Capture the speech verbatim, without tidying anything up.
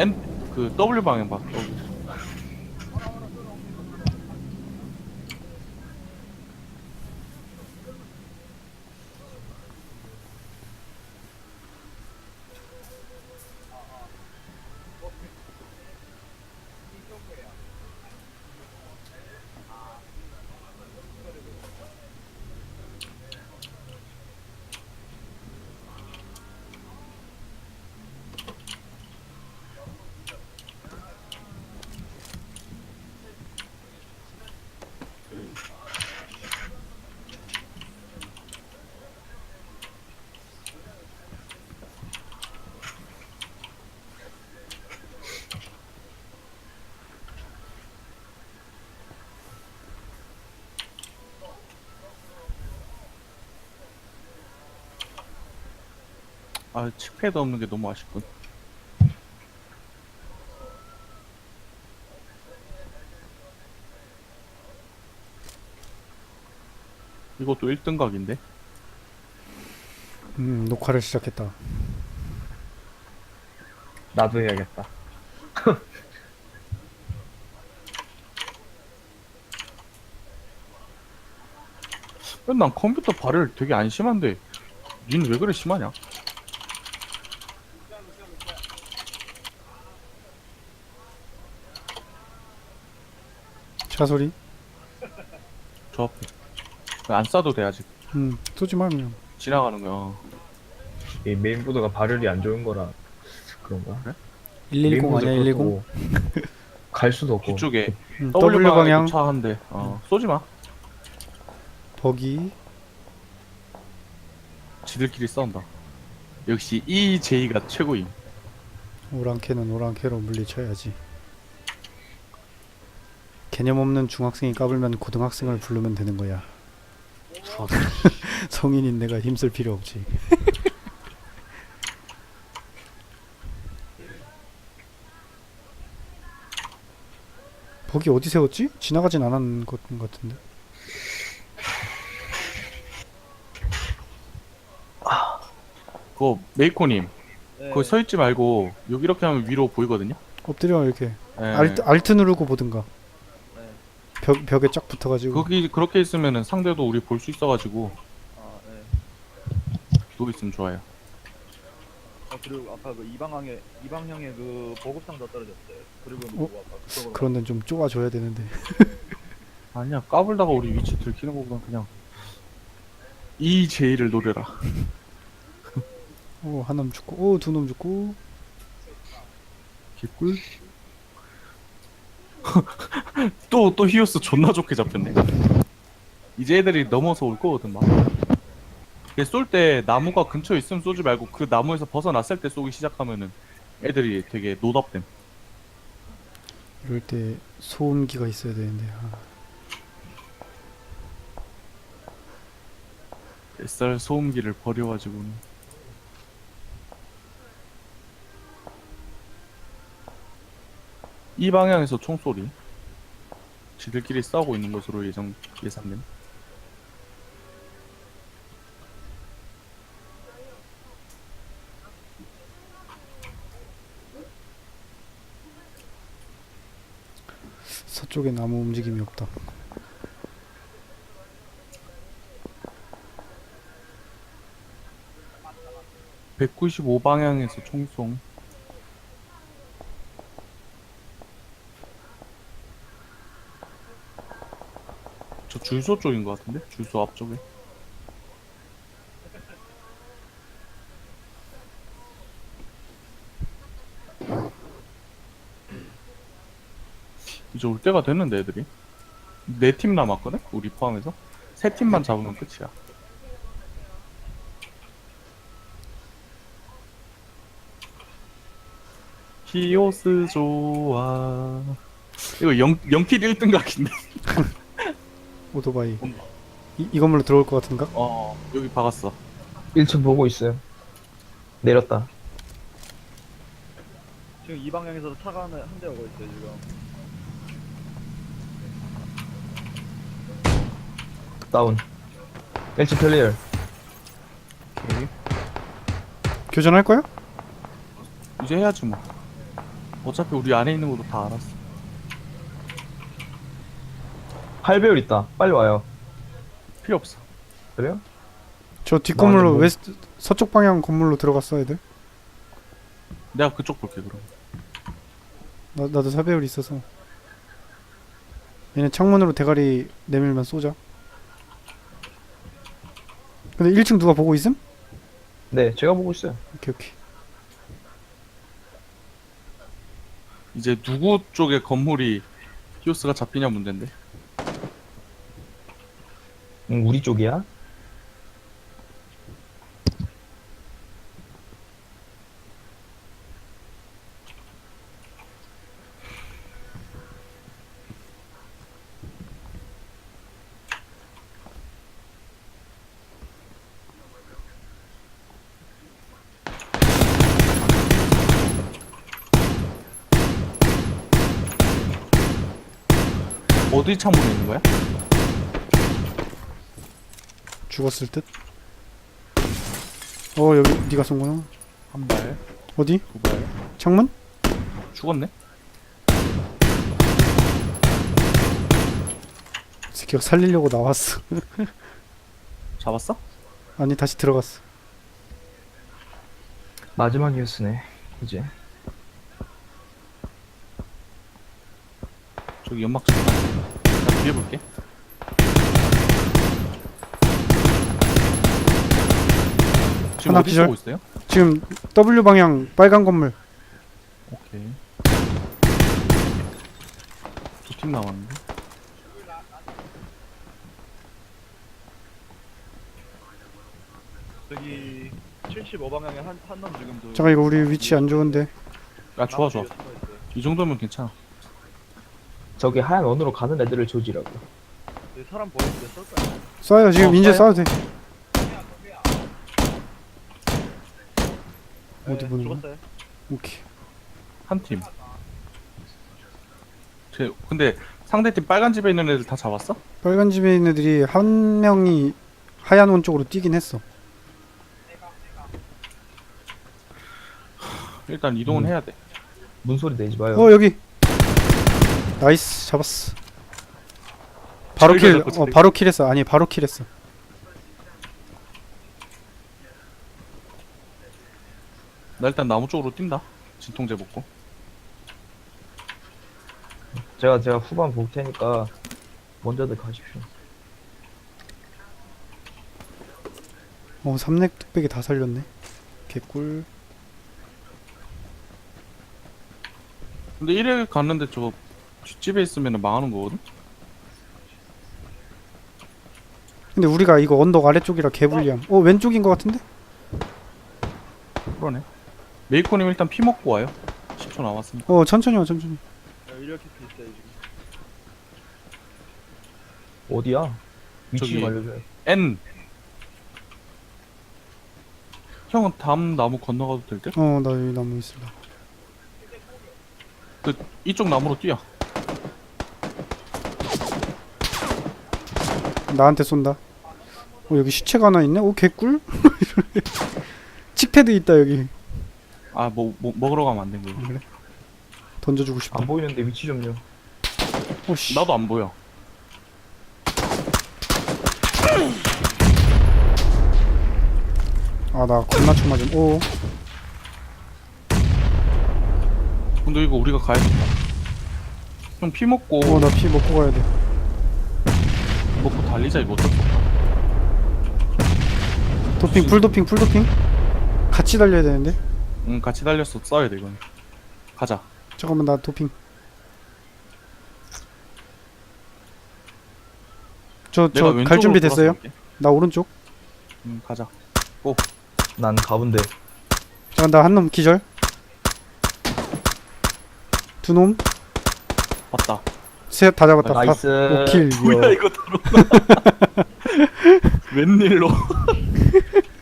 N 그 W 방향 봐. W. 아, 칙패드 없는 게 너무 아쉽군. 이것도 일 등 각인데? 음, 녹화를 시작했다. 나도 해야겠다. 난 컴퓨터 발열 되게 안 심한데 니는 왜 그래 심하냐? 차 소리? 저 앞에 안 쏴도 돼 아직. 음, 쏘지 마 그냥. 지나가는 거야. 이 메인보드가 발열이 안 좋은 거라 그런가? 그래? 일일공 메인보드 아니야 일일공? 그렇다고 갈 수도 없고. 뒤쪽에 음, W, W 방향 방향 차 한 대. 어, 쏘지 마. 버기. 지들끼리 싸운다. 역시 이제이가 최고임. 오랑캐는 오랑캐로 물리쳐야지. 개념 없는 중학생이 까불면 고등학생을 부르면 되는 거야. 성인인 내가 힘쓸 필요 없지. 버기 어디 세웠지? 지나가진 않은 것 같은데. 그거 메이코님 네. 거기 서 있지 말고 여기 이렇게 하면 위로 보이거든요. 엎드려 이렇게. 예. 알트, 알트 누르고 보든가. 네. 벽, 벽에 쫙 붙어가지고. 거기 그렇게 있으면은 상대도 우리 볼 수 있어가지고 아, 네. 누워 있으면 좋아요. 아, 그리고 아까 그 이 방향에 이 방향에 그 보급상자 떨어졌어요. 그리고 어? 뭐 아까 그쪽으로 그런 데는 좀 좁아줘야 되는데. 아니야, 까불다가 우리 위치 들키는 거보단 그냥 이제이를 노려라. 오, 한 놈 죽고, 오, 두 놈 죽고. 개꿀. 또 또 히오스 존나 좋게 잡혔네. 이제 애들이 넘어서 올 거거든 막. 쏠 때 나무가 근처에 있으면 쏘지 말고 그 나무에서 벗어났을 때 쏘기 시작하면은 애들이 되게 노답됨. 이럴 때 소음기가 있어야 되는데. 아. 뱃살 소음기를 버려가지고는. 이 방향에서 총소리. 지들끼리 싸우고 있는 것으로 예정 예상됨. 서쪽엔 아무 움직임이 없다. 백구십오 방향에서 총송. 저 줄소 쪽인 것 같은데? 줄소 앞쪽에. 이제 올 때가 됐는데 애들이 네 팀 남았거든? 우리 포함해서 세 팀만 잡으면 끝이야. 히오스 좋아. 이거 영, 영필 일 등 각인데. 오토바이. 이, 이 건물로 들어올 것 같은가? 어, 여기 박았어. 일 층 보고 있어요. 내렸다. 지금 이 방향에서 차가 한 대 오고 있어요 지금. 다운. 일 층 클리어. 오케이. 교전할 거야? 이제 해야지 뭐. 어차피 우리 안에 있는 것도 다 알았어. 팔 배율 있다. 빨리 와요. 필요 없어. 그래요? 저 뒷건물로 뭐- 웨스트 서쪽 방향 건물로 들어갔어 애들. 내가 그쪽 볼게 그럼. 나, 나도 사배율 있어서. 얘네 창문으로 대가리 내밀면 쏘자. 근데 일 층 누가 보고 있음? 네, 제가 보고 있어요. 오케이 오케이. 이제 누구 쪽에 건물이 히오스가 잡히냐 문제인데. 응, 우리 쪽이야? 어디 창문에 있는 거야? 죽었을 듯. 어 여기 네가 쏜구나. 한 발, 어디? 두 발. 창문? 죽었네? 새끼가 살리려고 나왔어. 잡았어? 아니 다시 들어갔어. 마지막 뉴스네. 이제. 저기 연막 좀. 나 뒤에 볼게. 지금 하나 어디 기절. 쏘고 있어요? 지금 W 방향 빨간 건물. 오케이. 두 팀 남았는데. 저기 칠십오 방향에 한 한 놈 지금 그 잠깐 이거 우리 위치 안 좋은데. 야 좋아 좋아. 나무 뒤에 숨어 있어요. 이 정도면 괜찮아. 저기 하얀 원으로 가는 애들을 조지라고. 여기 사람 보이는데 쏠까요? 쏴요 지금 어, 이제 쏴요? 쏴도 돼. 어디 네, 보는 거야? 죽었어요. 오케이. 한 팀. 제, 근데 상대팀 빨간 집에 있는 애들 다 잡았어? 빨간 집에 있는 애들이 한 명이 하얀 원 쪽으로 뛰긴 했어. 일단 이동은 음. 해야 돼. 문소리 내지 마요. 어 여기. 나이스 잡았어. 바로 저기가 킬. 자꾸 어 저기. 바로 킬했어. 아니 바로 킬했어. 나 일단 나무 쪽으로 뛴다. 진통제 먹고. 제가 제가 후반 볼 테니까 먼저들 가십시오. 어 삼렙 뚝배기 다 살렸네. 개꿀. 근데 이래 갔는데 저 뒷집에 있으면 망하는 거거든? 근데 우리가 이거 언덕 아래쪽이라 개불리함. 어 왼쪽인 것 같은데? 그러네. 메이코님 일단 피 먹고 와요. 십 초 남았으니까. 어 천천히 와 천천히. 야, 이렇게 있어요 지금. 어디야? 위치 저기. 좀 알려줘요. N. 형은 다음 나무 건너가도 될 듯? 어 나 여기 나무 있어. 그 이쪽 나무로 뛰어. 나한테 쏜다. 어 여기 시체가 하나 있네. 오 개꿀. 칙패드 있다 여기. 아, 뭐, 뭐 먹으러 가면 안 된 거야. 그래? 던져주고 싶다. 안 보이는데 위치 좀요. 오씨. 나도 안 보여. 아 나 겁나 총 맞음. 오. 근데 이거 우리가 가야겠다. 형 피 먹고 어 나 피 먹고 가야 돼. 먹고 달리자 이거 어쩔 수 없다. 도핑 풀 도핑 풀 도핑. 같이 달려야 되는데. 응, 같이 달렸어. 싸워야 돼 이건. 가자. 잠깐만 나 도핑. 저 내가 저 갈 왼쪽으로 준비 돌아서 됐어요? 갈게. 나 오른쪽. 응, 가자. 난 가운데. 잠깐 나 한 놈 기절. 두 놈. 왔다. 셋 다 잡았다. 다- 나이스. 오킬. 뭐야 이거 들어오나? 웬일로?